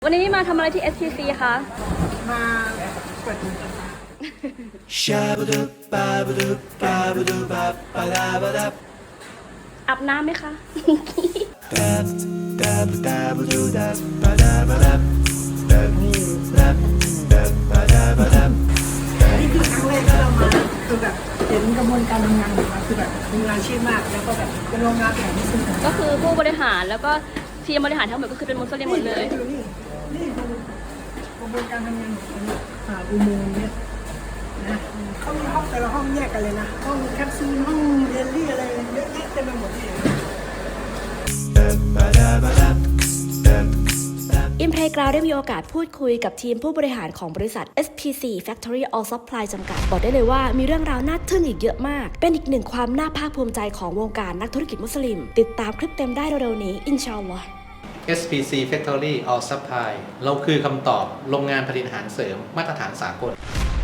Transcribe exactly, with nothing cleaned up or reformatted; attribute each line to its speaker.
Speaker 1: วันนี้มาทำอะไรที่ เอส พี ซี คะ
Speaker 2: มาเปิด
Speaker 1: อาบน้ำไหมคะ
Speaker 2: นี่คือครั้งแรกที่เรามาคือแบบเห็นกระบวนการทำงานของเราคือแบบมีงานอาชีพมากแล้วก็แบบเป็นโรงงานแผนที่สุด
Speaker 1: ก็คือผู้บริหารแล้วก็ทีมบริหารทั้งหมดก็คือเป็นมุสลิมหมดเลย
Speaker 2: ดูนี่นี่ดูกระบวนการทำงานของเราผ่าอุโมงค์เนี่ยนะเขามีห้องแต่ละห้องแยกกันเลยนะห้องแคปซูลห้องเยลลี่อะไรเยอะแยะเต็มไปหมดเลย
Speaker 3: อิมเพลกราวได้มีโอกาสพูดคุยกับทีมผู้บริหารของบริษัท เอส พี ซี Factory All Supply จำกัดบอกได้เลยว่ามีเรื่องราวน่าทึ่งอีกเยอะมาก เป็นอีกหนึ่งความน่าภาคภูมิใจของวงการนักธุรกิจมุสลิม ติดตามคลิปเต็มได้เร็วๆนี้ อินชาอัลลอฮ์
Speaker 4: เอส พี ซี Factory All Supply เราคือคำตอบโรงงานผลิตอาหารเสริมมาตรฐานสากล